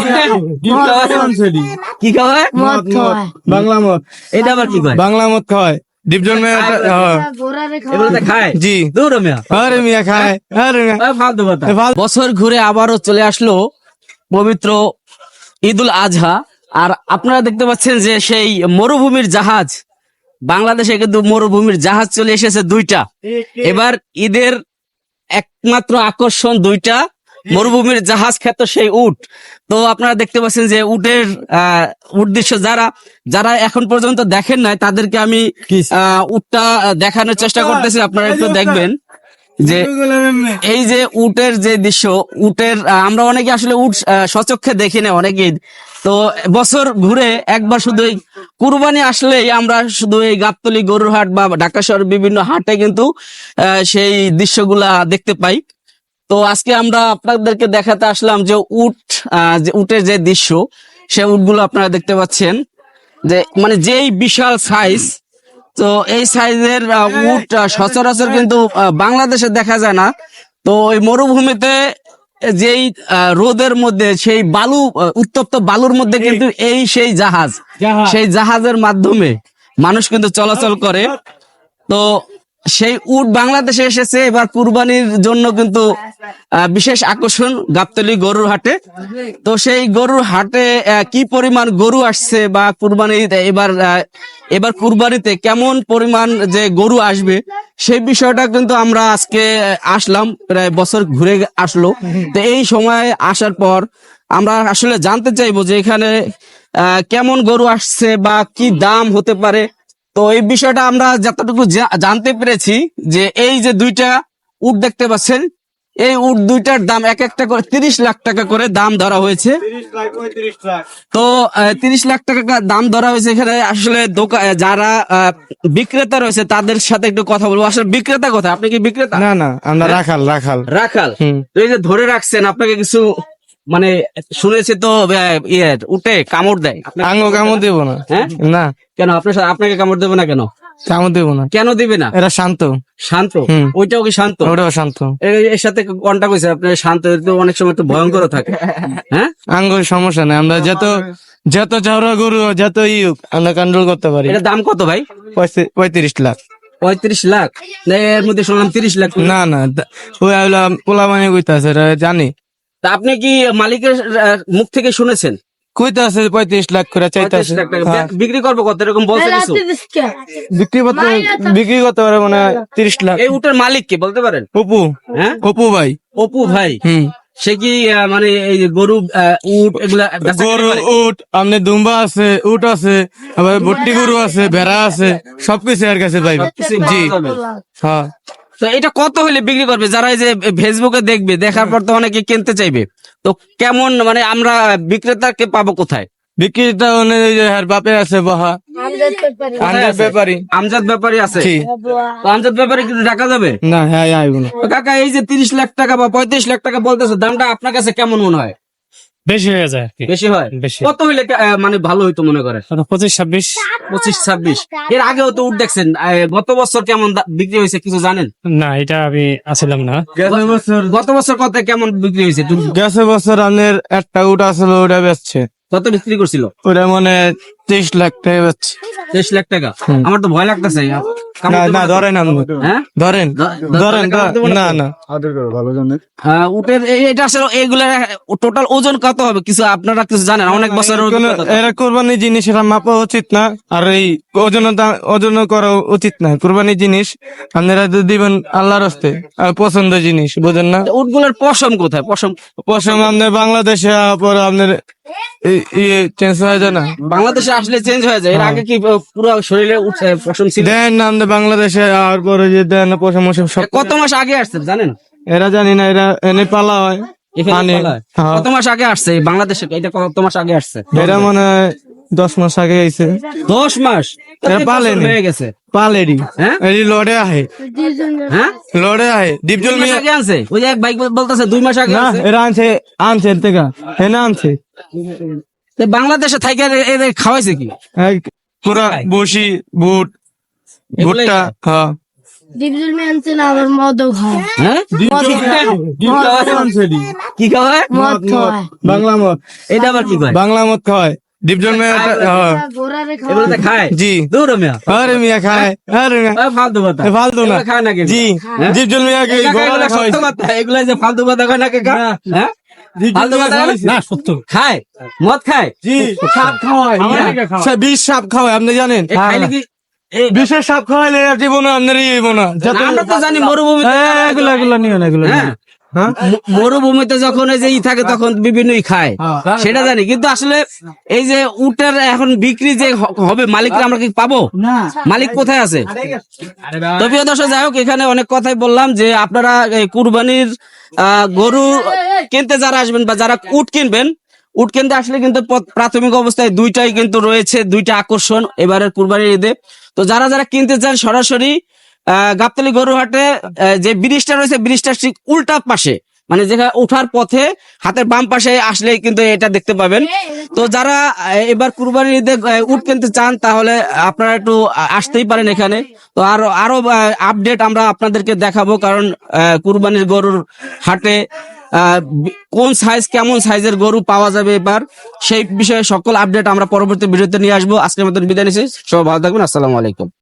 কি খাওয়ায়? বাংলা মদ। এটা আবার কি কয়? বাংলা মদ খাওয়ায় ডিপজল মিয়া। এগুলো তো খায়? জি। দূর মিয়া। আরে মিয়া খায়, আরে মিয়া। ফালতু কথা। বছর ঘুরে আবারও চলে আসলো পবিত্র ঈদুল আজহা। আর আপনারা দেখতে পাচ্ছেন যে সেই মরুভূমির জাহাজ, বাংলাদেশে কিন্তু মরুভূমির জাহাজ চলে এসেছে দুইটা। এবার ঈদের একমাত্র আকর্ষণ দুইটা, মরুভূমির জাহাজ খ্যাত সেই উট। তো আপনারা দেখতে পাচ্ছেন যে উটের উদ্দেশ্য যারা যারা এখন পর্যন্ত দেখেন নাই তাদেরকে আমি উটটা দেখানোর চেষ্টা করতেছি, আপনারা একটু দেখবেন যে এই যে উটের যে দৃশ্য, উটের আমরা অনেকে আসলে উট সচক্ষে দেখি না অনেকেই। তো বছর ঘুরে একবার শুধু এই কুরবানি আসলেই আমরা শুধু এই গাবতলী গরুর হাট বা ঢাকা শহরের বিভিন্ন হাটে কিন্তু সেই দৃশ্যগুলা দেখতে পাই। তো আজকে আমরা আপনাদেরকে দেখাতে আসলাম যে উটের যে দৃশ্য, সে উটগুলো আপনারা দেখতে পাচ্ছেন যে মানে যেই বিশাল সাইজ। তো এই সাইজের উট সচরাচর কিন্তু বাংলাদেশে দেখা যায় না। তো ওই মরুভূমিতে যেই রোদের মধ্যে সেই বালু, উত্তপ্ত বালুর মধ্যে কিন্তু এই সেই জাহাজের মাধ্যমে মানুষ কিন্তু চলাচল করে। তো সেই উট বাংলাদেশে এসেছে এবার কুরবানির জন্য কিন্তু বিশেষ আকর্ষণ গাবতলী গরুর হাটে। তো সেই গরুর হাটে কি পরিমাণ গরু আসছে বা এবার কুরবানিতে কেমন পরিমাণ যে গরু আসবে সেই বিষয়টা কিন্তু আমরা আজকে আসলাম, প্রায় বছর ঘুরে আসলো। তো এই সময় আসার পর আমরা আসলে জানতে চাইবো যে এখানে কেমন গরু আসছে বা কি দাম হতে পারে। তো এই বিষয়টা আমরা যতটুকু জানতে পেরেছি যে এই যে দুইটা উট দেখতে পাচ্ছেন, এই উট দুইটার দাম এক একটা করে 30 লাখ টাকা করে দাম ধরা হয়েছে। তো 30 লাখ টাকা দাম ধরা হয়েছে। এখানে আসলে যারা বিক্রেতা রয়েছে তাদের সাথে একটু কথা বলবো। আসলে বিক্রেতা কোথায়? আপনি কি বিক্রেতা? না না, আমরা রাখাল। তো এই যে ধরে রাখছেন, আপনাকে কিছু মানে শুনেছি তো উঠে কামড় দেয়, কামড় দেবো না। হ্যাঁ না কেন? আপনাকে কামড় দেবে না কেন? কামড় দেবো না। কেন দিবে না? এরা শান্ত। ওইটাও কি শান্ত? ওটাও শান্ত। এর সাথে কন্টাক্ট হয়েছে আপনার? শান্ত তো অনেক সময় তো ভয়ঙ্কর থাকে। হ্যাঁ, সমস্যা নেই, আমরা যত চাওড়া গরু যত আমরা কন্ট্রোল করতে পারি। এটার দাম কত ভাই? 35 লাখ। 35 লাখ? এর মধ্যে শুনলাম 30 লাখ। না ওই পোলা মানে কইতাছে, জানি। তা আপনি কি মালিকের মুখ থেকে শুনেছেন? কইতাছে 35 লাখ করে চাইতাছে। বিক্রি করবো কত এরকম বলছে কিছু? বিক্রি করতে পারে মানে 30 লাখ। এই উটের মালিক কে বলতে পারেন? অপু। হ্যাঁ, অপু ভাই। অপু ভাই। সে কি মানে এই গরু উট এগুলা গরু উট আমনে দুম্বা আছে, উট আছে, আবার ভর্তি গরু আছে, ভেড়া আছে, সবকিছু এর কাছে পাইবে। জি হ্যাঁ। তো এটা কত হলে বিক্রি করবে? যারা এই যে ফেসবুকে দেখবে, দেখার পর তো অনেকে কিনতে চাইবে। তো কেমন মানে আমরা বিক্রেতাকে পাবো কোথায়? বিক্রিটা বাপে আছে বহা আমজাদ ব্যাপারী আছে। তো আমজাদ ব্যাপারী কিন্তু টাকা যাবে না? হ্যাঁ আইব না। কাকা, এই যে 30 লাখ টাকা বা 35 লাখ টাকা বলতেছে, দামটা আপনার কাছে কেমন মনে হয়? বেশি হয়ে যায়। বেশি হয়? কত হইলে মানে ভালো হইতো মনে করে? 25-26। 25-26। এর আগেও তো উঠ দেখছেন, গত বছর কেমন বিক্রি হয়েছে কিছু জানেন? না, এটা আমি আসলাম না। গত বছর কত কেমন বিক্রি হয়েছে? গেছে বছর আমাদের একটা উট আসলে ওটা বেচছে। কত বিক্রি করছিল? ওটা মানে 23 লাখ টাকা বেচছে। 23 লাখ টাকা? আমার তো ভয় লাগতেছে। না ধরেন, হ্যাঁ ধরেন না উটের এটা আসলে এইগুলা টোটাল ওজন কত হবে কিছু আপনারা কিছু জানেন? অনেক বছর এরা কোরবানি জিনিস এরা মাপা উচিত না, আর এই ওজন করা উচিত না। কোরবানি জিনিস আপনারা দিবেন আল্লাহর হস্তে, আর পছন্দ জিনিস, বুঝেন না? উটগুলোর পশম কোথায়? পশম আপনার বাংলাদেশে পরে আপনার চেঞ্জ হয়ে যায় না? বাংলাদেশে আসলে চেঞ্জ হয়ে যায়। এর আগে কি পুরো শরীরে পশম ছিল? দেন না আমাদের বাংলাদেশে আর পরে যে দেন পশম সব। কত মাস আগে আসছে জানেন? এরা জানি না, এরা এনে পালা হয়। কত মাস আগে আসছে বাংলাদেশে? এটা কত মাস আগে আসছে? এরা মনে হয় 10 মাস আগে আইছে। 10 মাস হয়ে গেছে। পালেরি হ্যাঁ, লড়ে আহে। হ্যাঁ, লড়ে আহে। ডিপজল মিয়া আগে আনছে। ওই যে এক বাইক বলতেছে 2 মাস আগে। না, এরা আনছে এর থেকে এনে আনছে। বাংলাদেশে থাইকে এদের খাওয়াইছে কি? পুরা বসি ভুট্টা। হ্যাঁ, ডিপজল মেনছে না আমার মদও খায় হ্যাঁ কি খাওয়ায় মদ খায় বাংলা মত এটা আবার কি কয় বাংলা মত খাওয়ায় ডিপজল মেয়ে ঘোড়ারে এগুলো তো খায় জি দূর মিয়া আরে মিয়া খায় আরে মিয়া ফালতু কথা ফালতু না এগুলো খায় না কিন্তু। জি হ্যাঁ? ডিপজল মিয়াকে কাকা, ঘোড়া এগুলো খাওয়াইছে সত্য কথা, এগুলো যে ফালতু কথা কয় না কাকা? হ্যাঁ? ফালতু কথা কয় না? না সত্য খায় মদ খায় জি সাপ খাওয়ায় বিষ সাপ খাওয়ায় আপনি জানেন এ খাইলে কি এই বিষের সাপ খাওয়াইলে আর জীবন আপনার ইয়ে না আমরা তো জানি মরুভূমিতে এগুলো নিও না এগুলো হ্যাঁ মরুভূমিতে যখন এই যে থাকে তখন বিভিন্নই খায় সেটা জানি, কিন্তু আসলে এই যে উটের এখন বিক্রি যে হবে মালিকরা আমরা কি পাবো? মালিক কোথায় আছে? তো প্রিয় দর্শক, যাই হোক, এখানে অনেক কথাই বললাম যে আপনারা এই কুরবানির গরু কিনতে যারা আসবেন বা যারা উট কিনবেন, উট কিনতে আসলে কিন্তু প্রাথমিক অবস্থায় দুইটাই কিন্তু রয়েছে, দুইটা আকর্ষণ এবারের কুরবানির ঈদে। তো যারা যারা কিনতে চান সরাসরি গাবতলী গরুহাটে যে ব্রিজটা রয়েছে, ব্রিজটার ঠিক উল্টা পাশে, মানে যেখানে ওঠার পথে হাতের বাম পাশে আসলেই কিন্তু এটা দেখতে পাবেন। তো যারা এবার কুরবানির ঈদে উট কিনতে চান তাহলে আপনারা একটু আসতেই পারেন এখানে। তো আরো আপডেট আমরা আপনাদেরকে দেখাবো, কারণ কুরবানির গরুর হাটে কোন সাইজ কেমন সাইজের গরু পাওয়া যাবে এবার, সেই বিষয়ে সকল আপডেট আমরা পরবর্তী ভিডিওতে নিয়ে আসবো। আজকের মতন বিদায় নিচ্ছি, সবাই ভালো থাকবেন, আসসালামু আলাইকুম।